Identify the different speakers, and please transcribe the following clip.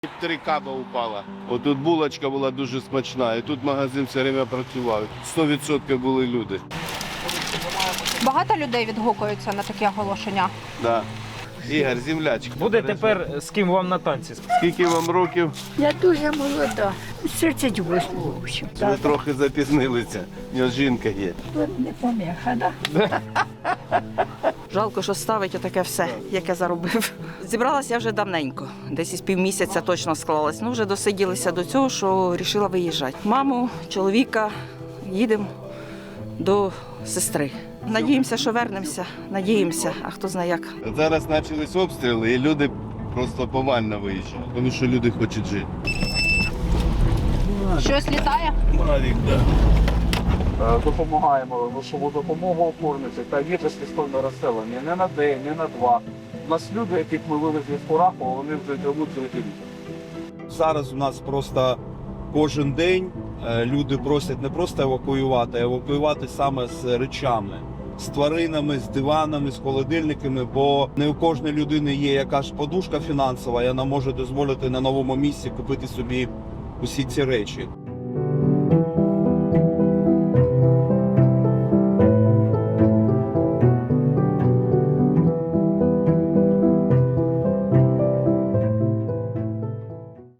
Speaker 1: 3 каба упала. Отут булочка була дуже смачна, і тут магазин все время працював. 100% були люди.
Speaker 2: Багато людей відгукуються на такі оголошення.
Speaker 1: Да. Ігор, землячка.
Speaker 3: Буде тепер з ким вам на танці?
Speaker 1: Скільки вам років?
Speaker 4: Я дуже молода, 38 років.
Speaker 1: Ви трохи запізнилися. У нього жінка є.
Speaker 4: Тут не поміха, да?
Speaker 5: Жалко, що ставить отаке все, яке заробив. Зібралася я вже давненько, десь із півмісяця точно склалась. Ну, вже досиділися до цього, що вирішила виїжджати. Маму, чоловіка, їдемо до сестри. Надіємося, що вернемося, надіємося, а хто знає як.
Speaker 1: Зараз почались обстріли, і люди просто повально виїжджають, тому що люди хочуть жити.
Speaker 2: Щось літає?
Speaker 1: Мавік, так.
Speaker 6: Допомагаємо грошову допомогу оформити та вітрості сторони розселення не на день, не на два. У нас люди, яких ми вивезли з Курахова, вони вже живуть жити.
Speaker 7: Зараз у нас просто кожен день люди просять не просто евакуювати, а евакуювати саме з речами, з тваринами, з диванами, з холодильниками, бо не у кожної людини є якась подушка фінансова, і вона може дозволити на новому місці купити собі усі ці речі.